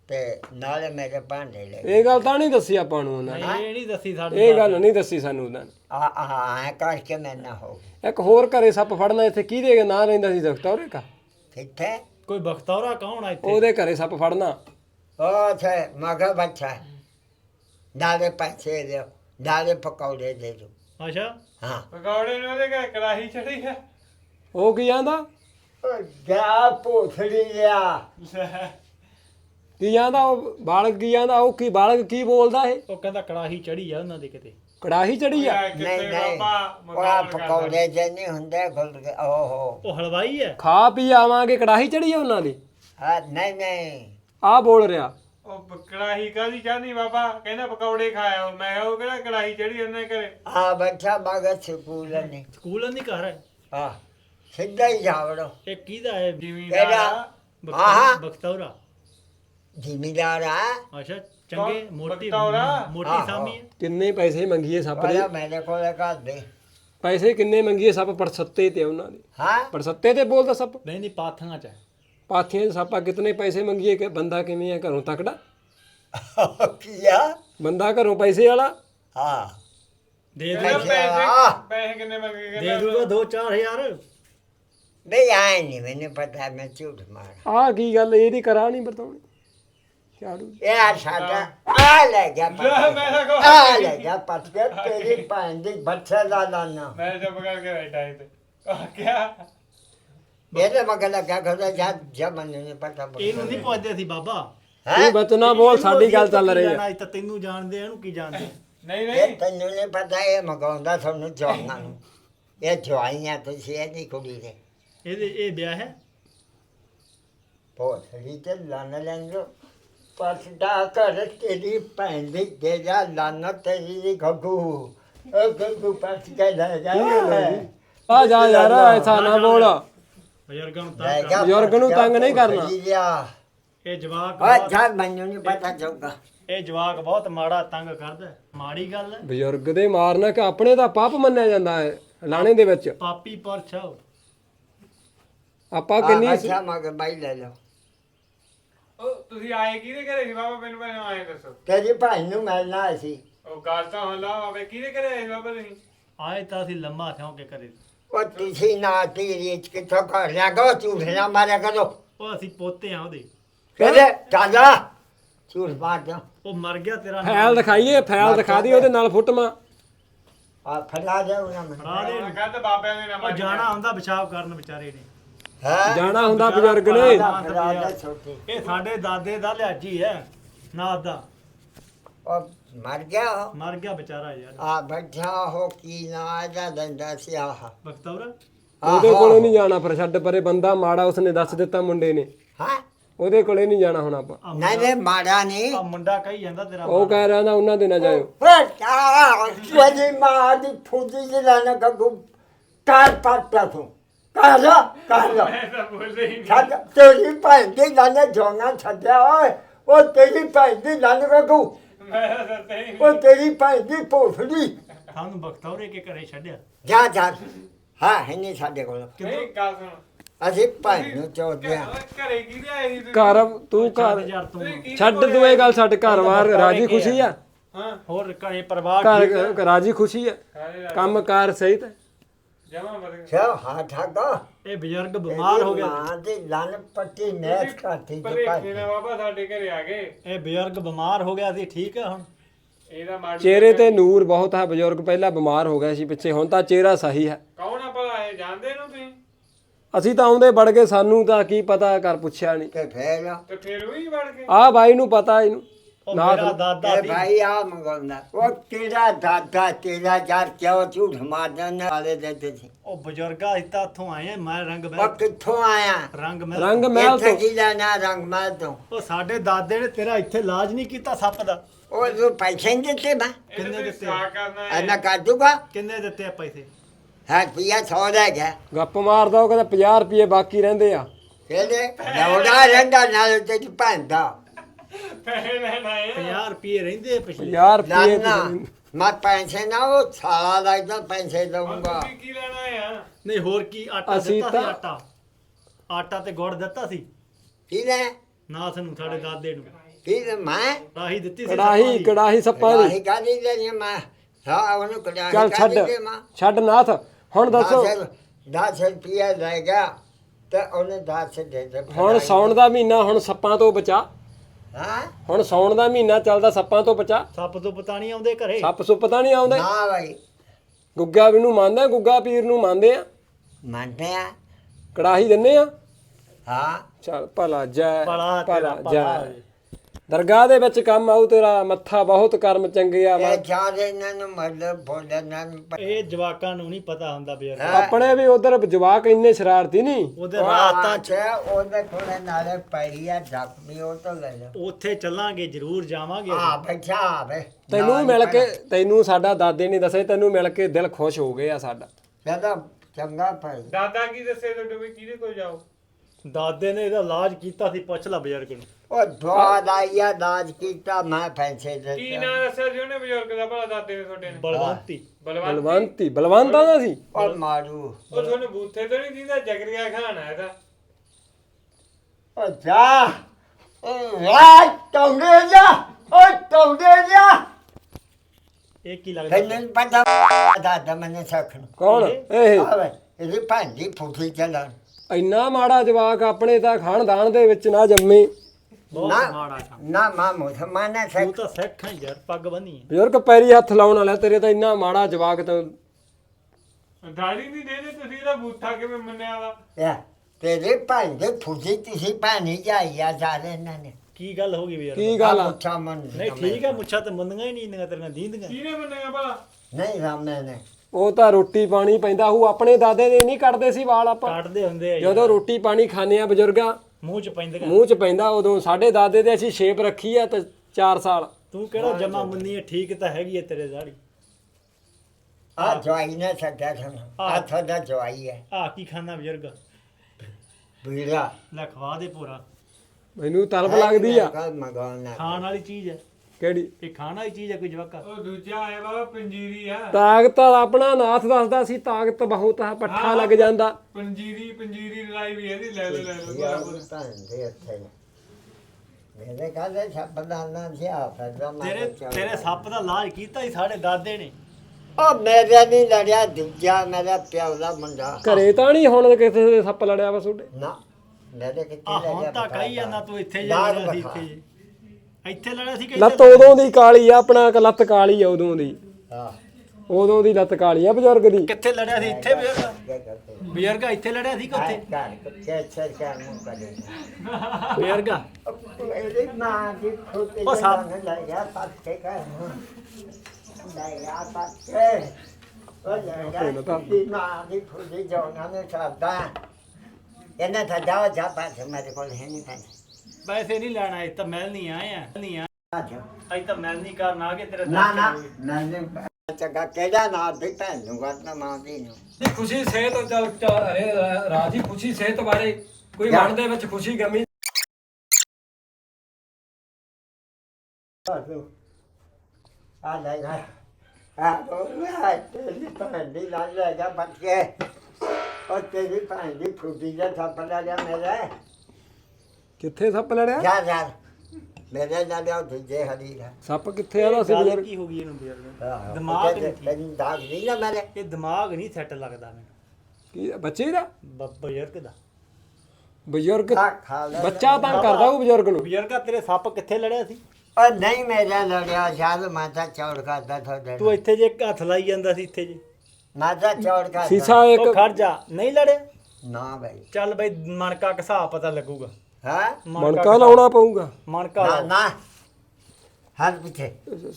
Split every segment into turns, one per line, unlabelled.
ਤੇ ਨਾਲੇ ਮੇਰੇ ਭਾਂਡੇ ਲੈ
ਇਹ ਗੱਲ ਤਾਂ ਨਹੀਂ ਦੱਸੀ ਆਪਾਂ ਨੂੰ ਉਹਨਾਂ ਨੇ।
ਇਹ ਨਹੀਂ ਦੱਸੀ ਸਾਡੀ
ਇਹ ਗੱਲ ਨਹੀਂ ਦੱਸੀ ਸਾਨੂੰ ਉਹਨਾਂ ਨੇ।
ਐ ਕਰਕੇ ਮੈਂ ਨਾ ਹੋ
ਇੱਕ ਹੋਰ ਘਰੇ ਸੱਪ ਫੜਨਾ ਇੱਥੇ ਕਿਹਦੇ ਨਾਂ ਰਹਿੰਦਾ ਸੀ ਦਖਤੌਰੇ ਕਾ
ਕਿੱਥੇ
ਕੋਈ ਬਖਤੌਰਾ ਕੌਣ ਆ ਇੱਥੇ?
ਉਹਦੇ ਘਰੇ ਸੱਪ ਫੜਨਾ
ਉਹ ਛੇ ਮਗਾ ਬੱਚਾ ਨਾਲੇ ਪੈਸੇ ਦਿਓ ਨਾਲੇ ਪਕੌੜੇ ਦੇ ਦਿਓ
ਅੱਛਾ
ਹਾਂ
ਪਕੌੜੇ ਨੂੰ ਉਹਦੇ ਘਰ ਕੜਾਹੀ ਚੜੀ ਹੈ।
ਉਹ ਕੀ ਆਂਦਾ
ਉਹ ਜਾ ਭੂਖੜੀ ਲਿਆ
ਕੀ ਆਂਦਾ ਉਹ ਬਾਲਕ ਕੀ ਆਂਦਾ ਉਹ ਕੀ ਬਾਲਕ ਕੀ ਬੋਲਦਾ ਇਹ
ਉਹ ਕਹਿੰਦਾ ਕੜਾਹੀ ਚੜੀ ਆ ਉਹਨਾਂ ਦੇ ਕਿਤੇ।
ਕੜਾਹੀ ਚੜੀ ਆ
ਨਹੀਂ ਨਹੀਂ ਉਹ ਪਕੌੜੇ ਜੇ ਨਹੀਂ ਹੁੰਦੇ ਖੁੱਲ ਕੇ ਓਹੋ
ਉਹ ਹਲਵਾਈ ਹੈ।
ਖਾ ਪੀ ਆਵਾਂਗੇ ਕੜਾਹੀ ਚੜੀ ਆ ਉਹਨਾਂ ਦੀ।
ਹਾਂ ਨਹੀਂ ਨਹੀਂ
ਆਹ ਬੋਲ ਰਿਹਾ
ਉਹ ਕੜਾਹੀ ਕਾਹਦੀ ਚਾਹਨੀ ਬਾਬਾ ਕਹਿੰਦਾ ਪਕੌੜੇ ਖਾਇਆ ਮੈਂ ਕਿਹਾ ਉਹ ਕਿਹੜਾ ਕੜਾਹੀ ਚੜੀ ਉਹਨੇ ਘਰੇ।
ਆ ਬੱਚਾ ਮਗਾ ਸਕੂਲ ਨਹੀਂ
ਸਕੂਲ ਨਹੀਂ ਘਰ ਹੈ।
ਹਾਂ ਸਿੱਧਾ ਹੀ ਜਾਵੜੋ
ਇਹ ਕਿਹਦਾ ਹੈ?
ਜ਼ਿਮੀਂਦਾਰ ਆ।
ਆਹਾ।
ਬਖਤੌਰਾ।
ਜ਼ਿਮੀਦਾਰ ਆ
ਅੱਛਾ ਚੰਗੇ
ਕੌਣ?
ਮੋਟੀ
ਬਖਤੌਰਾ?
ਮੋਟੀ
ਆਹੋ।
ਸਾਮੀ ਹੈ।
ਕਿੰਨੇ ਪੈਸੇ ਮੰਗੀਏ ਸੱਪ ਦੇ
ਬੜਾ ਮੇਰੇ ਕੋਲ ਘਰ ਦੇ
ਪੈਸੇ ਕਿੰਨੇ ਮੰਗੀਏ ਸੱਪ ਪੜਸੱਤੇ ਤੇ ਉਹਨਾਂ ਦੇ
ਹਾਂ
ਪੜਸੱਤੇ ਤੇ ਬੋਲਦਾ ਸੱਪ
ਨਹੀਂ ਨਹੀਂ ਪਾਥੀਆਂ ਚ ਹੈ।
ਪਾਥੀਆਂ 'ਚ ਸੱਪਾ ਕਿਤਨੇ ਪੈਸੇ ਮੰਗੀਏ ਕਿ ਬੰਦਾ ਕਿਵੇਂ ਆ ਘਰੋਂ ਤਕੜਾ
ਕੀਆ
ਬੰਦਾ ਘਰੋਂ ਪੈਸੇ ਵਾਲਾ
ਹਾਂ
ਦੇ
ਕਹਿੰਦਾ
ਦੂ
ਪੈਸੇ ਕਿੰਨੇ ਮੰਗੇ
ਦੇ ਦੂਗਾ 2-4000।
ਨਹੀਂ ਆਏ ਨਹੀਂ ਮੈਨੂੰ ਪਤਾ ਮੈਂ ਝੂਠ ਮਾਰ
ਆਹ ਕੀ ਗੱਲ ਇਹਦੀ ਕਰਾ ਨਹੀਂ ਬਤਾਉਣੀ ਝਾੜੂ
ਇਹ ਆ ਸਾਡਾ ਆ ਲੈ ਗਿਆ
ਮੈਂ ਤਾਂ ਕਹੂੰ।
ਆ ਲੈ ਗਿਆ ਪੱਟ ਕੇ ਤੇਰੀ ਭੈਣ ਦੀ ਬੱਚਾ ਦਾ ਲਾਨਾ
ਮੈਂ ਚੁੱਪ ਕਰਕੇ ਬੈਠਾ ਇੱਥੇ ਉਹ ਕਿਹਾ
ਇਹਦੇ ਮਗਰ ਲੱਗਾ ਖਦਾ ਜਾ ਮੈਨੂੰ ਨਹੀਂ ਪਤਾ
ਇਹਨੂੰ ਨਹੀਂ ਪੁੱਛਦੇ ਸੀ ਬਾਬਾ।
ਤੂੰ ਬਚਨਾ ਬੋਲ ਸਾਡੀ ਗੱਲ ਚੱਲ ਰਹੀ ਆ
ਅੱਜ ਤਾਂ ਤੈਨੂੰ ਜਾਣਦੇ ਆ, ਇਹਨੂੰ ਕੀ ਜਾਣਦੇ?
ਨਹੀਂ
ਇਹ
ਨਹੀਂ
ਤੈਨੂੰ ਨਹੀਂ ਪਤਾ ਇਹ ਮਗਾਉਂਦਾ ਤੁਹਾਨੂੰ ਜਵਾਨਾਂ ਨੂੰ ਇਹ ਜਵਾਈਆਂ ਤੁਸੀਂ ਇਹ ਨਹੀਂ ਕੁੜੀ ਦੇ
ਇਹ ਵਿਆਹ ਹੈ।
ਪੋਥੜੀ ਤੇ ਲੰਨ ਲੈਂਦੋ ਪਸਦਾ ਕਰ ਤੇਰੀ ਭੈਣ ਦੀ ਦੇ ਜਾ ਲੰਨ ਤੇਰੀ ਦੀ ਗੱਗੂ ਉਹ ਗੱਗੂ ਪਸ ਕੇ ਲੈ ਜਾ
ਆ ਜਾ ਯਾਰ ਐਸਾ ਨਾ ਬੋਲ
ਬਜ਼ੁਰਗਾਂ ਨੂੰ
ਲੈ
ਤੰਗ
ਜਾ
ਕਰ।
ਬਜ਼ੁਰਗ ਨੂੰ ਤੰਗ ਨਹੀਂ ਕਰਨਾ।
ਪੋਥੜੀ ਲਿਆ।
ਇਹ ਜਵਾਕ
ਓਏ
ਬਹੁਤ-
ਜਾ ਮੈਨੂੰ ਨਹੀਂ ਪਤਾ ਚੌਗਾ
ਇਹ ਜਵਾਕ ਬਹੁਤ ਮਾੜਾ ਤੰਗ ਕਰਦਾ ਹੈ। ਮਾੜੀ ਗੱਲ ਹੈ।
ਬਜ਼ੁਰਗ ਦੇ ਮਾਰਨਾ ਕਿ ਆਪਣੇ ਦਾ ਪਾਪ ਮੰਨਿਆ ਜਾਂਦਾ ਹੈ ਲਾਣੇ ਦੇ ਵਿੱਚ
ਪਾਪੀ ਪਰ ਛਾਓ।
ਆਪਾਂ ਕਿੰਨੀ
ਅੱਛਾ ਮਗਰ ਬਾਈ ਲੈ ਲਓ
ਉਹ ਤੁਸੀਂ ਆਏ ਕਿਹਦੇ ਘਰੇ ਸੀ ਬਾਬਾ ਮੈਨੂੰ ਪਹਿਲਾਂ ਆਏ ਦੱਸੋ।
ਤੇਰੀ ਭੈਣ ਨੂੰ ਮਿਲਣਾ ਸੀ
ਉਹ ਗੱਲ ਤਾਂ ਹੁਣ ਲਾ ਬਾਬੇ ਕਿਹਦੇ ਘਰੇ ਆਏ ਸੀ ਬਾਬਾ ਤੁਸੀਂ।
ਆਏ ਤਾਂ ਅਸੀਂ ਲੰਮਾ ਥਿਓ ਕੇ ਕਰੇ।
ਉਹ ਤੁਸੀਂ ਨਾ ਤੇਰੀ ਚ ਕਿੱਥੋਂ ਕਰ ਲਿਆ ਕਰੋ ਝੂਠ ਨਾ ਮਾਰਿਆ ਕਰੋ
ਉਹ ਅਸੀਂ ਪੋਤੇ ਆ ਉਹਦੇ।
ਕਹਿੰਦੇ ਚਾਲਾ ਝੂਠ ਮਾਰ ਦਿਓ
ਉਹ ਮਰ ਗਿਆ ਤੇਰਾ
ਫੈਲ ਦਿਖਾਈਏ ਫੈਲ ਦਿਖਾ ਦੀ ਉਹਦੇ ਨਾਲ ਫੁੱਟਵਾ
ਆ ਫੜਾ ਦੇ ਉਹਨਾਂ ਨੂੰ
ਫੜਾ ਦੇ।
ਕਹਿੰਦਾ ਬਾਬਿਆਂ ਦੇ ਨਾਮ
ਉਹ ਜਾਣਾ ਹੁੰਦਾ ਬਚਾਵ ਕਰਨ ਵਿਚਾਰੇ ਨੇ।
ਹੈ
ਜਾਣਾ ਹੁੰਦਾ ਬਜ਼ੁਰਗ ਨੇ
ਫੜਾ ਦੇ ਛੋਟੀ
ਇਹ ਸਾਡੇ ਦਾਦੇ ਦਾ ਲਿਆਜੀ ਹੈ ਨਾਥ ਦਾ।
ਉਹ ਮਰ ਗਿਆ ਉਹ।
ਮਰ ਗਿਆ ਵਿਚਾਰਾ ਯਾਰ।
ਆ ਬੈਠਾ ਹੋ ਕੀ ਨਾ ਇਹਦਾ ਦੰਦਾ ਸੀ ਆਹ
ਬਖਤੌਰਾ।
ਉਹਦੇ ਕੋਲੇ ਨਹੀਂ ਜਾਣਾ ਪਰ ਛੱਡ ਪਰੇ ਬੰਦਾ ਮਾੜਾ ਉਸਨੇ ਦੱਸ ਦਿੱਤਾ ਮੁੰਡੇ ਨੇ
ਹਾਂ
ਉਹਦੇ ਕੋਲੇ ਨਹੀਂ ਜਾਣਾ ਹੁਣ ਆਪਾਂ
ਨਹੀਂ ਨਹੀਂ ਮਾੜਾ ਨਹੀਂ
ਆ ਮੁੰਡਾ ਕਹੀ ਜਾਂਦਾ ਤੇਰਾ
ਉਹ ਕਹਿ ਰਿਹਾ ਨਾ ਉਹਨਾਂ ਦੇ ਨਾ ਜਾਇਓ
ਓਏ ਆ ਤੁਝੀ ਮਾਂ ਦੀ ਫੁੱਦੀ ਜਿਹੜਾ ਨਾ ਗੱਗੂ ਕਾਰ ਪਾਟਾ ਤੂੰ ਕਰ ਲਾ
ਮੈਂ ਤਾਂ ਬੋਲਦੇ ਹੀ ਨਹੀਂ।
ਛੱਡ ਤੇਰੀ ਭੈਣ ਦੀ ਲਾਨੇ ਜੋਗਾ ਛੱਡਿਆ ਓਏ ਉਹ ਤੇਰੀ ਭੈਣ ਦੀ ਲਾਨੇ ਗੱਗੂ
ਮੈਂ ਤਾਂ ਦੱਸਦਾ ਹੀ ਨਹੀਂ।
ਉਹ ਤੇਰੀ ਭੈਣ ਦੀ ਭੋਸੜੀ
ਸਾਨੂੰ ਬਖਤੌਰੇ ਕੇ ਘਰੇ ਛੱਡਿਆ।
ਜਾ ਜਾ ਹਾਂ ਹੈ ਨਹੀਂ ਸਾਡੇ ਕੋਲ
ਨਹੀਂ ਗੱਲ ਸੁਣ
ਅਸੀਂ ਭੈਣ ਨੂੰ ਚੋਦਦੇ ਆ
ਘਰੇ ਕਿਹਦੇ ਆਏ ਸੀ ਤੁਸੀਂ?
ਘਰ ਤੂੰ ਘਰ
ਯਾਰ ਤੂੰ
ਤੁਸੀਂ ਕੀ
ਛੱਡ
ਬੋਲੇ?
ਤੂੰ ਇਹ ਗੱਲ ਛੱਡ ਘਰ ਵਾਰ ਰਾਜੀ ਖੁਸ਼ੀ ਆ
ਹਾਂ
ਹੋਰ ਘਰੇ ਪਰਿਵਾਰ ਠੀਕ ਹੈ?
ਘਰ ਰਾਜੀ ਖੁਸ਼ੀ ਆ ਕੰਮ ਕਾਰ ਸਹੀ ਤਾਂ
ਜਮਾ ਬਦਲ
ਸੋ ਹਾਂ ਠਾਗਾ
ਇਹ ਬਜ਼ੁਰਗ ਬਿਮਾਰ ਹੋ ਗਿਆ।
ਮਾਂ ਦੀ ਲੰਨ ਪੱਟੀ ਮੈਚ ਕਰਤੀ
ਪਰ
ਤੇ
ਇਹ ਨਾ ਬਾਬਾ ਸਾਡੇ ਘਰੇ ਆ ਗਏ
ਇਹ ਬਜ਼ੁਰਗ ਬਿਮਾਰ ਹੋ ਗਿਆ ਸੀ। ਠੀਕ ਹੈ ਹੁਣ?
ਇਹਦਾ ਮਾੜੀ
ਚਿਹਰੇ ਤੇ ਨੂਰ ਬਹੁਤ ਹੈ ਬਜ਼ੁਰਗ ਪਹਿਲਾਂ ਬਿਮਾਰ ਹੋ ਗਿਆ ਸੀ ਪਿੱਛੇ ਹੁਣ ਤਾਂ ਚਿਹਰਾ ਸਹੀ ਹੈ
ਕੌਣ ਆ ਭਲਾ ਇਹ ਜਾਣਦੇ ਇਹਨੂੰ ਤੁਸੀਂ
ਅਸੀਂ ਤਾਂ ਆਉਂਦੇ ਵੜ ਗਏ ਸਾਨੂੰ ਤਾਂ ਕੀ ਪਤਾ ਕਰ ਪੁੱਛਿਆ ਨਹੀਂ
ਤੇ ਫੇਰ
ਤੇ ਫਿਰ ਵੀ ਵੜ ਗਏ।
ਆਹ ਬਾਈ ਨੂੰ ਪਤਾ ਇਹਨੂੰ
ਉਹ
ਨਾ
ਮੇਰਾ ਦਾਦਾ
ਇਹ
ਸੀ।
ਭਾਈ ਆ ਮੰਗਾਉਂਦਾ ਉਹ ਤੇਰਾ ਦਾਦਾ ਤੇਰਾ ਯਾਰ ਕਿਉਂ ਝੂਠ ਮਾਰਨ ਵਾਲੇ ਦੇ ਸੀ
ਉਹ ਬਜ਼ੁਰਗਾ ਅਸੀਂ ਤਾਂ ਉੱਥੋਂ ਆਏ ਆ। ਮੈਂ ਰੰਗ
ਉਹ
ਮਹਿਲ
ਕਿੱਥੋਂ ਆਇਆ
ਰੰਗ ਮਹਿਲ
ਰੰਗ ਮਹਿਲ
ਇੱਥੇ
ਤੋਂ
ਕੀ ਲੈਣਾ ਰੰਗ ਮਾਰ ਤੋਂ
ਉਹ ਸਾਡੇ ਦਾਦੇ ਨੇ ਤੇਰਾ ਇੱਥੇ ਇਲਾਜ ਨਹੀਂ ਕੀਤਾ ਸੱਪ ਦਾ।
ਉਹ ਜੋ ਪੈਸੇ ਨਹੀਂ ਦਿੱਤੇ ਮੈਂ
ਕਿੰਨੇ
ਕਿੰਨੇ
ਦਿੱਤੇ
ਦਿੱਤੇ?
ਕਰਨਾ
ਐਨਾ ਕਰ ਦੂਗਾ
ਕਿੰਨੇ ਦਿੱਤੇ ਆ ਪੈਸੇ?
ਹੈ ਪਿਆ 100 ਰਹਿ ਗਿਆ
ਗੱਪ ਮਾਰਦਾ ਉਹ ਕਹਿੰਦਾ 50 ਰੁਪਏ ਬਾਕੀ ਰਹਿੰਦੇ ਆ
ਕਹਿੰਦੇ ਲੌੜਾ ਰਹਿੰਦਾ ਨਾਲ ਤੇ ਭੰਦਾ
ਪੈਸੇ ਲੈਣ ਆਏ ਆ।
50 ਰੁਪਏ ਰਹਿੰਦੇ ਆ ਪਿਛਲੇ।
50 ਰੁਪਏ
ਨਾ ਮੈਂ ਪੈਸੇ ਨਾ ਉਹ ਸਾਲਾ ਦਾ ਇਦਾਂ ਪੈਸੇ
ਹੁਣ
ਦਊਂਗਾ
ਤੁਸੀਂ ਕੀ ਲੈਣਾ ਆ
ਨਹੀਂ ਹੋਰ ਕੀ ਆਟਾ
ਅਸੀਂ
ਦਿੱਤਾ ਸੀ?
ਤਾਂ-
ਆਟਾ ਤੇ ਗੁੜ ਦਿੱਤਾ ਸੀ
ਕੀ ਲੈ
ਨਾਥ ਨੂੰ ਸਾਡੇ ਦਾਦੇ ਨੂੰ।
ਕੀ ਮੈਂ
ਕੜਾਹੀ ਦਿੱਤੀ ਸੀ
ਕੜਾਹੀ ਕੜਾਹੀ ਸੱਪਾਂ ਦੀ
ਕੜਾਹੀ ਕਾਹਦੀ ਲੈਣੀ ਮੈਂ ਹਾਂ ਉਹਨੂੰ ਕੜਾਹੀ
ਚੱਲ ਛੱਡ
ਕਾਹਦੀ ਦੇਵਾਂ
ਛੱਡ ਨਾਥ ਹੁਣ ਦੱਸੋ
10 ਰੁਪਇਆ ਲੈ ਗਿਆ ਤੇ ਉਹਨੇ 10 ਦੇ ਦੇ
ਹੁਣ ਸੌਣ ਦਾ ਮਹੀਨਾ ਹੁਣ ਸੱਪਾਂ ਤੋਂ ਬਚਾ
ਹਾਂ
ਹੁਣ ਸੌਣ ਦਾ ਮਹੀਨਾ ਚੱਲਦਾ ਸੱਪਾਂ ਤੋਂ ਬਚਾ
ਸੱਪ ਤੋਂ ਪਤਾ ਨਹੀਂ ਆਉਂਦੇ ਘਰੇ
ਸੱਪ ਸੁੱਪ ਤਾਂ ਨਹੀਂ ਆਉਂਦੇ
ਨਾ ਭਾਈ
ਗੁੱਗਾ ਵੀ ਨੂੰ ਮੰਨਦਾ ਗੁੱਗਾ ਪੀਰ ਨੂੰ ਮੰਨਦੇ ਆ
ਮੰਨਦੇ ਆ
ਕੜਾਹੀ ਦਿੰਨੇ ਆ
ਹਾਂ
ਚੱਲ ਭਲਾ ਜੈ
ਭਲਾ ਤੇਰਾ
ਭਲਾ
ਭਲਾ
ਜੈ ਦਰਗਾਹ ਦੇ ਵਿੱਚ ਕੰਮ ਆਊ ਤੇਰਾ ਮੱਥਾ ਬਹੁਤ ਕਰਮ ਚੰਗੇ ਆ
ਇਹ ਚਾਰੇ ਇਹਨਾਂ ਨੂੰ ਮਤਲਬ ਬੋਲਣਾ
ਇਹ ਜਵਾਕਾਂ ਨੂੰ ਨਹੀਂ ਪਤਾ ਹੁੰਦਾ ਬਜ਼ੁਰਗ
ਆਪਣੇ ਵੀ ਉਧਰ ਜਵਾਕ ਇੰਨੇ ਸ਼ਰਾਰਤੀ ਨਹੀਂ
ਉਹਦੇ ਰਾਤਾਂ ਚ
ਉਹਦੇ ਕੋਲੇ ਨਾਲੇ ਪਈਆ ਜ਼ਖਮੀ ਉਹ ਤੋਂ ਲੈ ਜਾ
ਉੱਥੇ ਚੱਲਾਂਗੇ ਜ਼ਰੂਰ ਜਾਵਾਂਗੇ
ਆ ਬੈਠਾ ਆਵੇ
ਤੈਨੂੰ ਮਿਲ ਕੇ ਤੈਨੂੰ ਸਾਡਾ ਦਾਦੇ ਨੇ ਦੱਸਿਆ ਤੈਨੂੰ ਮਿਲ ਕੇ ਦਿਲ ਖੁਸ਼ ਹੋ ਗਿਆ ਸਾਡਾ
ਕਹਿੰਦਾ ਚੰਗਾ ਭਾਈ
ਦਾਦਾ ਕੀ ਦੱਸੇ ਤੁਹਾਡੇ ਵੀ ਕਿਹਦੇ ਕੋਲ ਜਾਓ
ਦਾਦੇ ਨੇ ਇਹਦਾ ਇਲਾਜ ਕੀਤਾ ਸੀ ਪੁੱਛ ਲੈ ਬਜ਼ੁਰਗ ਨੂੰ
ਉਹ ਦੁਆ ਲਾਇਆ ਦਾਜ ਕੀਤਾ ਮੈਂ ਪੈਸੇ
ਕੀ
ਦਿੱਤੇ
ਨਾਂ ਦੱਸਿਆ ਸੀ ਉਹਨੇ ਬਜ਼ੁਰਗ ਦਾ ਭਲਾ ਦਾਦੇ ਨੇ ਤੁਹਾਡੇ ਨੇ
ਬਲਵੰਤੀ
ਬਲਵੰਤ
ਬਲਵੰਤਾਂ ਦਾ ਸੀ
ਉਹ ਮਾਰੂ
ਉਹ ਤੁਹਾਨੂੰ ਬੂਥੇ ਤੋਂ ਨਹੀਂ ਦਿੰਦਾ ਜਗਰੀਆ ਖਾਨ ਹੈ ਇਹਦਾ
ਉਹ ਜਾ ਉਹ ਵਾ ਟੰਗੇ ਜਾ ਉਹ ਟੰਗੇ ਜਾ
ਇਹ ਕੀ ਲੱਗਦਾ
ਤੈਨੂੰ ਪਤਾ ਦਾਦਾ ਮੈਨੇ ਸਖਣ
ਕੌਣ ਇਹ
ਆਵੇ ਇਹਦੀ ਭਾਂਜੀ ਫੁੱਟੀ ਚੱਲਣ
ਇੰਨਾ ਮਾੜਾ ਜਵਾਕ ਆਪਣੇ ਤਾਂ ਖਾਨਦਾਨ ਦੇ ਵਿੱਚ ਨਾ ਜੰਮੇ
ਬਹੁਤ
ਨਾ
ਮਾੜਾ ਕੰਮ
ਨਾ ਮਾਂ ਮੁਸਲਮਾਨ
ਤੂੰ
ਸਿੱਖ
ਤਾਂ ਸਿੱਖ ਹੈ ਯਾਰ ਪੱਗ ਬੰਨੀ ਹੈ
ਬਜ਼ੁਰਗ ਪੈਰੀ ਹੱਥ ਲਾਉਣ ਵਾਲਾ ਤੇਰੇ ਤਾਂ ਇੰਨਾ ਮਾੜਾ ਜਵਾਕ ਤਾਂ
ਦਾੜੀ ਨਹੀਂ ਦੇ ਤੁਸੀਂ ਇਹਦਾ ਬੂਥਾ ਕਿਵੇਂ ਮੰਨਿਆ ਵਾ
ਯਾ ਤੇਰੇ ਭਾਂਜੀ ਫੁੱਟੀ ਤੁਸੀਂ ਪਾਣੀ ਜਾਈਆ ਸਾਰੇ ਇਹਨਾਂ ਨੇ
ਕੀ ਗੱਲ ਹੋ ਗਈ ਬਜ਼ੁਰਗ
ਕੀ ਗੱਲ ਆ
ਮੁੱਛਾਂ ਮੰਨ
ਨਹੀਂ ਠੀਕ ਹੈ ਮੁੱਛਾਂ ਤੇ ਮੰਦੀਆਂ ਹੀ ਨਹੀਂ ਇੰਨੀਆਂ ਤੇਰੀਆਂ ਦੀਂਦੀਆਂ
ਕਿਹਨੇ ਮੰਨਿਆ ਭਲਾ
ਨਹੀਂ ਰਾਮੇ ਨੇ
ਉਹ ਤਾਂ ਰੋਟੀ ਪਾਣੀ ਪੈਂਦਾ ਉਹ ਆਪਣੇ ਦਾਦੇ ਦੇ ਨਹੀਂ ਕੱਟਦੇ ਸੀ ਵਾਲ ਆਪਾਂ
ਕੱਟਦੇ ਹੁੰਦੇ ਆ ਯਾਰ।
ਜਦੋਂ ਰੋਟੀ ਪਾਣੀ ਖਾਂਦੇ ਆ ਬਜ਼ੁਰਗਾ
ਮੂੰਹ ਚ ਪੈਂਦੀਆਂ
ਮੂੰਹ 'ਚ ਪੈਂਦਾ ਉਦੋਂ ਸਾਡੇ ਦਾਦੇ ਦੇ ਅਸੀਂ ਸ਼ੇਪ ਰੱਖੀ ਆ ਤੇ 4 ਸਾਲ
ਤੂੰ ਕਿਹੜਾ ਜਮਾ ਮੁੰਨੀ ਹੈ ਠੀਕ ਤਾਂ ਹੈਗੀ ਹੈ ਤੇਰੇ ਦਾੜੀ
ਆ ਜਵਾਈ ਨੇ ਸੱਜਾ ਸਾਨੂੰ ਆ ਤੁਹਾਡਾ ਜਵਾਈ ਹੈ
ਆ ਕੀ ਖਾਣਾ ਬਜ਼ੁਰਗ
ਵੀਰਾ
ਲੈ ਖਵਾ ਦੇ ਪੂਰਾ
ਮੈਨੂੰ ਤਲਬ ਲੱਗਦੀ ਆ
ਮਗਾਉਣਾ
ਖਾਣ ਵਾਲੀ ਚੀਜ਼ ਹੈ
ਕਿਹੜੀ
ਇਹ ਖਾਣ ਵਾਲੀ ਚੀਜ਼ ਹੈ ਕੋਈ ਜਵਾਕਾ
ਉਹ ਦੂਜਾ ਆਇਆ ਬਾਬਾ ਪੰਜੀਰੀ ਆ
ਤਾਕਤ ਆਪਣਾ ਨਾਥ ਦੱਸਦਾ ਸੀ ਤਾਕਤ ਬਹੁਤ ਆ ਪੱਠਾ ਲੱਗ ਜਾਂਦਾ
ਪੰਜੀਰੀ ਲੜਾਈ ਵੀ ਇਹਦੀ ਲੈ ਲਓ
ਯਾਰ ਦੇ ਇੱਥੇ ਮੇਰੇ ਕਾਹਦੇ ਛੱਪਦਾਨਾ ਸੀ ਆ ਫਰਦਾ
ਤੇਰੇ ਤੇਰੇ ਸੱਪ ਦਾ ਇਲਾਜ ਕੀਤਾ ਸੀ ਸਾਡੇ ਦਾਦੇ ਨੇ
ਉਹ ਮੇਰੇ ਨਹੀਂ ਲੜਿਆ ਦੂਜਾ ਮੇਰਾ ਪਿਓ ਦਾ ਮੁੰਡਾ
ਘਰੇ ਤਾਂ ਨਹੀਂ ਹੁਣ ਕਿਸੇ ਦੇ ਸੱਪ ਲੜਿਆ ਵਾ ਤੁਹਾਡੇ
ਨਾ ਮੇਰੇ ਕਿੱਥੇ
ਆ
ਲੜਿਆ
ਹੁਣ ਤਾਂ ਕਹੀ ਜਾਂਦਾ ਤੂੰ ਇੱਥੇ
ਦਾਗ
ਜਿਹੜਾ ਸੀ
ਬਖਾ।
ਇੱਥੇ ਲੜਿਆ ਸੀ ਕਿ
ਲੱਤ ਉਦੋਂ ਦੀ ਕਾਲੀ ਆ ਆਪਣਾ ਲੱਤ ਕਾਲੀ ਆ ਉਦੋਂ ਦੀ
ਹਾਂ
ਉਦੋਂ ਦੀ ਲੱਤ ਕਾਲੀ ਆ ਬਜ਼ੁਰਗ ਦੀ
ਕਿੱਥੇ ਲੜਿਆ ਸੀ ਇੱਥੇ ਬਜ਼ੁਰਗ
ਕੀ ਕਰਦੇ
ਬਜ਼ੁਰਗ ਇੱਥੇ ਲੜਿਆ ਸੀ ਕਿ ਉੱਥੇ
ਘਰ ਕੇ ਸਰਕਾਰ ਨੂੰ ਕਰੇ
ਬਜ਼ੁਰਗ
ਇਹਦੀ ਮਾਂ ਦੀ ਖੁਦ
ਉਹ ਸਭ-
ਲੈ ਗਿਆ ਪੱਟ ਕੇ ਕਰ ਲੈ ਗਿਆ ਪੱਟ ਕੇ ਉਹ ਲੈ ਗਿਆ ਦੀ ਮਾਂ ਦੀ ਖੁਦ ਜੋਨਾਂ ਨੇ ਕਰਦਾ ਇਹਨਾਂ ਤਾਂ ਜਾਓ ਜਾ ਪਾਸ ਮੇਰੇ ਕੋਲ ਹੈ ਨਹੀਂ ਪੈਸੇ
ਪੈਸੇ ਨਹੀਂ ਲੈਣਾ ਇਹ ਤਾਂ ਮੈਲ ਨਹੀਂ ਆਏ ਆ ਨਹੀਂ ਆ ਅਸੀਂ ਤਾਂ ਮੈਲ ਨਹੀਂ ਕਰਨ ਆ ਕੇ ਤੇਰੇ
ਨਾ ਨਾ ਨਹੀਂ ਚੰਗਾ ਕਿਹੜਾ ਨਾ ਵੀ ਭੈਣ ਨੂੰ ਵਰਨਾ ਮਾਂ ਦੀ ਨੂੰ
ਖੁਸ਼ੀ ਸਿਹਤ ਰਾਜੀ ਖੁਸ਼ੀ ਸਿਹਤ ਬਾਰੇ ਕੋਈ ਮਨ ਦੇ ਵਿੱਚ ਖੁਸ਼ੀ ਗਮੀ
ਆ ਲੈ ਗਾ ਆ ਉਹ ਤੇਰੀ ਭੈਣ ਦੀ ਨਾਲ ਲੈ ਜਾ ਬੱਚ ਕੇ ਉਹ ਤੇਰੀ ਭੈਣ ਦੀ ਫੁੱਟੀ ਦਾ ਥੱਪੜਾ ਲਿਆ ਮੇਰੇ
ਕਿੱਥੇ ਸੱਪ ਲੜਿਆ
ਜਾ ਜਾ ਮੇਰੇ ਨਾਲ ਲਿਆ ਦੂਜੇ ਹਰੀ ਦਾ
ਸੱਪ ਕਿੱਥੇ ਆਦਾ ਸੀ
ਗੱਲ
ਬਜ਼ੁਰਗ
ਕੀ ਹੋ ਗਈ ਇਹਨੂੰ ਬਜ਼ੁਰਗ ਨੂੰ?
ਦਿਮਾਗ
ਦਿਮਾਗ ਨਹੀਂ ਠੀਕ।
ਤੈਨੂੰ ਦਾਗ ਨਹੀਂ ਨਾ ਮੇਰੇ
ਇਹ ਦਿਮਾਗ ਨਹੀਂ ਸੈੱਟ ਲੱਗਦਾ ਮੈਨੂੰ
ਕੀ ਬੱਚੇ ਦਾ
ਬਜ਼ੁਰਗ ਦਾ
ਬਜ਼ੁਰਗ
ਖਾ ਲੈ
ਬੱਚਾ ਤਾਂ ਕਰਦਾ ਉਹ ਬਜ਼ੁਰਗ ਨੂੰ
ਬਜ਼ੁਰਗਾ ਤੇਰੇ ਸੱਪ ਕਿੱਥੇ ਲੜਿਆ ਸੀ
ਉਹ ਨਹੀਂ ਮੇਰਾ ਲੜਿਆ ਸ਼ਾਇਦ ਮਾਤਾ ਚੌੜ ਕਰਦਾ ਤੁਹਾਡੇ
ਤੂੰ ਇੱਥੇ ਜੇ ਇੱਕ ਹੱਥ ਲਾਈ ਜਾਂਦਾ ਸੀ ਇੱਥੇ ਜੇ
ਮਾਤਾ ਚੌੜ ਕਰਦਾ
ਸੀਸਾ
ਉਹ
ਇੱਕ
ਖੜ ਜਾ ਨਹੀਂ ਲੜਿਆ
ਨਾ ਬਈ
ਚੱਲ ਬਈ ਮਣਕਾ ਘਸਾ ਪਤਾ ਲੱਗੂਗਾ
ਹਾਂ
ਮਣਕਾ ਲਾਉਣਾ ਪਊਗਾ
ਮਣਕਾ
ਨਾ
ਲਾਓ।
ਨਾ ਹਰ ਪਿੱਛੇ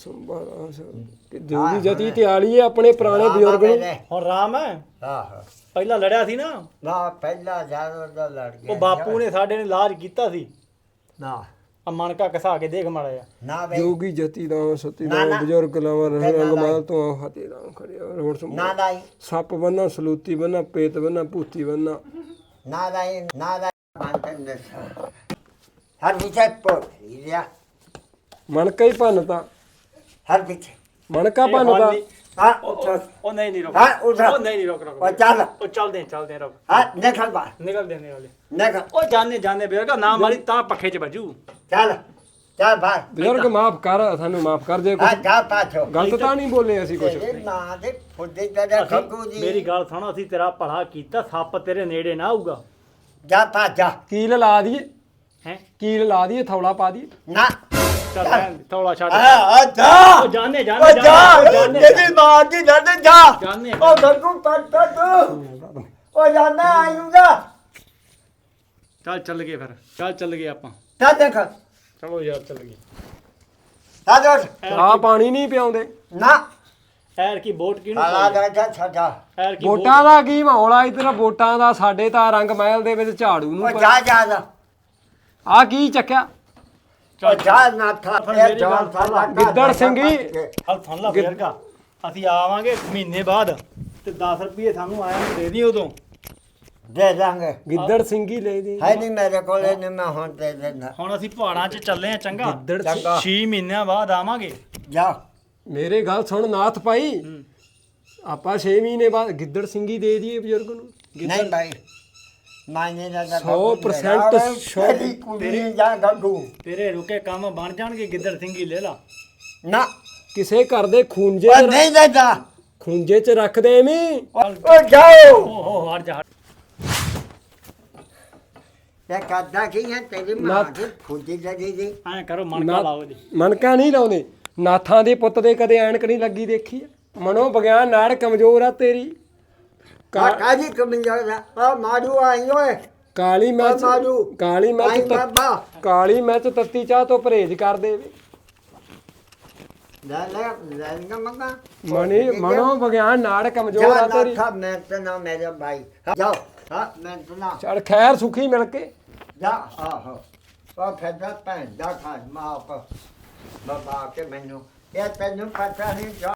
ਜਲਦੀ ਜਤੀ ਤੇ ਆਲੀ ਹੈ ਆਪਣੇ ਪੁਰਾਣੇ ਬਜ਼ੁਰਗ ਨੂੰ
ਹੁਣ ਰਾਮ ਹੈ
ਆਹੋ
ਪਹਿਲਾਂ ਲੜਿਆ ਸੀ ਨਾ
ਨਾ ਪਹਿਲਾ ਜਾਨਵਰ ਦਾ ਲੜ ਗਿਆ
ਉਹ ਬਾਪੂ ਨੇ ਸਾਡੇ ਨੇ ਇਲਾਜ ਕੀਤਾ ਸੀ
ਨਾ
ਆ ਮਣਕਾ ਘਸਾ ਕੇ ਦੇਖ ਮਾੜਾ ਜਿਹਾ
ਨਾ ਬਈ
ਜੋਗੀ ਜਤੀ ਦਾ ਸਤੀ
ਨਾ,
ਦਾ
ਨਾ।
ਬਜ਼ੁਰਗ ਲਾਵਾ
ਨਾ,
ਰੰਗ
ਨਾ।
ਮਾਲ ਤੋਂ ਹਤੇ ਦਾ ਖੜਿਆ ਰੋੜ
ਨਾ ਲਾਈ
ਸੱਪ ਬੰਨਾ ਸਲੂਤੀ ਬੰਨਾ ਪੇਤ ਬੰਨਾ ਭੂਤੀ ਬੰਨਾ
ਨਾ ਲਾਈ ਨਾ ਲਾਈ ਮਾਨਤਨ ਦੇ ਹਰ ਪਿੱਛੇ ਪੋਟ ਲਿਆ
ਮਣਕਾ ਹੀ ਭੰਨਤਾ
ਹਰ ਪਿੱਛੇ
ਮਣਕਾ
ਇਹ
ਭੰਨਤਾ
ਫੜ ਲਈ।
ਹਾਂ
ਉਹ ਨਹੀਂ ਰੁਕ
ਹਾਂ, ਉੱਠ।
ਉਹ ਨਹੀਂ ਰੁਕ
ਉਹ ਚੱਲ
ਉਹ ਚੱਲਦੇ ਰੁਕ
ਹਾਂ ਨਿਕਲ ਬਾਹਰ
ਨਿਕਲਦੇ
ਨਿਕਲ
ਉਹ ਜਾਣੇ ਬਜ਼ੁਰਗਾ ਨਾ ਮਾਰੀ ਤਾਂ ਪੱਖੇ 'ਚ ਵੱਜੂ
ਚੱਲ ਜਾ ਬਾਹਰ
ਬਜ਼ੁਰਗ ਮਾਫ ਕਰ, ਸਾਨੂੰ ਮਾਫ ਕਰ ਜੇ
ਆ
ਕੁਛ
ਜਾ ਪਾਛੋ
ਗਲਤ ਤਾਂ ਨਹੀਂ ਬੋਲੇ ਅਸੀਂ ਕੁਛ।
ਤੇਰੇ ਮਾਂ ਦੇ ਫੁੱਦੇ ਦਾ ਖੱਗੂ ਜੀ
ਮੇਰੀ ਗੱਲ ਸੁਣੋ, ਅਸੀਂ ਤੇਰਾ ਭਲਾ ਕੀਤਾ, ਸੱਪ ਤੇਰੇ ਨੇੜੇ ਨਾ ਆਊਗਾ।
ਜਾ ਪਾਛਾ
ਕੀਲ ਲਾ ਦਈਏ,
ਹੈ
ਕੀਲ ਲਾ ਦਈਏ, ਥੌਲਾ ਪਾ ਦਈਏ।
ਨਾ
ਚੱਲ ਰਹਿਣ ਦੇ, ਥੋੜਾ ਛੱਡ।
ਆ ਜਾ
ਉਹ ਜਾਣੇ
ਓ
ਜਾਣੇ
ਜਾ ਤੇਰੀ ਮਾਂ ਦੀ ਲੜ ਜਾ
ਜਾਣੇ
ਓ ਗੱਗੂ ਪੱਟਾ ਤੂੰ ਓ ਜਾਣਾ ਆਇੂਗਾ
ਚੱਲ ਗਏ ਫਿਰ, ਚੱਲ ਗਏ ਆਪਾਂ।
ਤਾਂ ਦੇਖ
ਚਲੋ ਯਾਰ ਚੱਲ ਗਏ।
ਤਾਂ ਦੇਖ
ਚਾਹ ਪਾਣੀ ਨਹੀਂ ਪਿਆਉਂਦੇ।
ਨਾ
ਐਰ ਕੀ ਵੋਟ ਕਿਹਨੂੰ
ਆਲਾ
ਪਾਈ?
ਦਾ ਛੱਡਾ
ਐਰ ਕੀ
ਵੋਟਾਂ ਦਾ ਕੀ ਮਾਹੌਲ ਆ ਇਧਰ? ਵੋਟਾਂ ਦਾ ਸਾਡੇ ਤਾਂ ਰੰਗ ਮਹਿਲ ਦੇ ਵਿੱਚ ਝਾੜੂ
ਓ
ਨੂੰ
ਜਾ ਜਾ ਜਾ
ਆ ਕੀ ਚੱਕਿਆ?
ਓ ਜਾ ਨਾ ਥਾ
ਮੇਰੀ ਗੱਲ ਸੁਣ ਲਾ।
ਗਿੱਦੜ ਸਿੰਘੀ।
ਹਲ ਸੁਣ ਲਾ ਬਜ਼ੁਰਗਾ, ਅਸੀਂ ਆਵਾਂਗੇ ਮਹੀਨੇ ਬਾਅਦ ਤੇ 10 ਰੁਪਏ ਸਾਨੂੰ ਆਇਆ ਨੂੰ ਦੇ ਦੀ ਉਦੋਂ।
ਦੇ ਦਾਂਗੇ
ਗਿੱਦੜ ਸਿੰਘੀ ਲੈ ਦੇ।
ਹੈ ਨਹੀਂ ਮੇਰੇ ਕੋਲ ਇਹਨੇ ਮੈਂ ਹੁਣ ਦੇ ਦੇਣਾ
ਹੁਣ ਅਸੀਂ ਪਹਾੜਾਂ 'ਚ ਚੱਲੇ ਆ, ਚੰਗਾ
ਗਿੱਦੜ
ਚੰਗਾ
6 ਮਹੀਨਿਆਂ ਬਾਅਦ ਆਵਾਂਗੇ।
ਜਾ
ਮੇਰੇ ਗੱਲ ਸੁਣ ਨਾਥ ਭਾਈ, ਆਪਾਂ 6 ਮਹੀਨੇ ਬਾਅਦ ਗਿੱਦੜ ਸਿੰਘੀ ਦੇ ਦਈਏ ਬਜ਼ੁਰਗ ਨੂੰ।
ਨਹੀਂ ਭਾਈ ਮਾਇਨੇ ਦਾ
100%
ਤੇਰੀ ਕੁੜੀ ਜਾ ਗੱਗੂ
ਤੇਰੇ ਰੁਕੇ ਕੰਮ ਬਣ ਜਾਣਗੇ, ਗਿੱਦੜ ਸਿੰਘੀ ਲੈ ਲਾ।
ਨਾ
ਕਿਸੇ ਘਰ ਦੇ ਖੂੰਜੇ
ਓ ਨਹੀਂ ਦੇਦਾ
ਖੂੰਜੇ 'ਚ ਰੱਖਦੇ ਐਵੇਂ।
ਓ ਜਾਓ
ਓਹੋ ਹਟ ਜਾ।
ਇਹ ਕਰਦਾ ਕੀ ਹੈ ਤੇਰੀ ਮਾਂ ਦੀ ਫੁੱਦੀ ਜਦੀ ਦੀ
ਐਂ ਕਰੋ ਮਣਕਾ ਲਾਓ ਜੀ।
ਮਨਕਾ ਨਹੀਂ ਲਾਉਂਦੇ। ਨਾਥਾਂ ਦੇ ਪੁੱਤ ਦੇ ਕਦੇ ਐਨਕ ਨਹੀਂ ਲੱਗੀ ਦੇਖੀ ਆ? ਮਨੋ ਵਿਗਿਆਨ ਨਾਲ ਕਮਜ਼ੋਰ ਆ ਤੇਰੀ।
ਕਾਜੀ ਕਮਿੰਜਾ ਦਾ ਆ ਮਾਰੂ ਆਈ ਓਏ
ਕਾਲੀ ਮਿਰਚ,
ਮਾਰੂ।
ਕਾਲੀ
ਆਈ
ਮਿਰਚ
ਬਾਬਾ
ਕਾਲੀ ਮਿਰਚ ਤੱਤੀ ਚਾਹ ਤੋਂ ਪਰਹੇਜ਼ ਕਰ ਦੇਵੇ।
ਲੈ ਮੰਗਾ
ਮਨੋ ਵਿਗਿਆਨ ਨਾਲ ਕਮਜ਼ੋਰ ਆ ਤੇਰੀ।
ਜਾ ਮੈਂ ਤੇ ਨਾ ਮੇਰੇ ਭਾਈ ਜਾਓ ਹਾਂ ਮੈਂ ਸੁਣਾ
ਚਲ ਖੈਰ ਸੁਖੀ ਮਿਲ ਕੇ
ਜਾ ਆਹੋ ਉਹ ਫੈਦਾ ਭੈਣ ਦਾ ਖਾ ਮਾਪ ਬਾਬਾ ਕੇ ਮੈਨੂੰ ਇਹ ਤੈਨੂੰ ਪਤਾ ਨਹੀਂ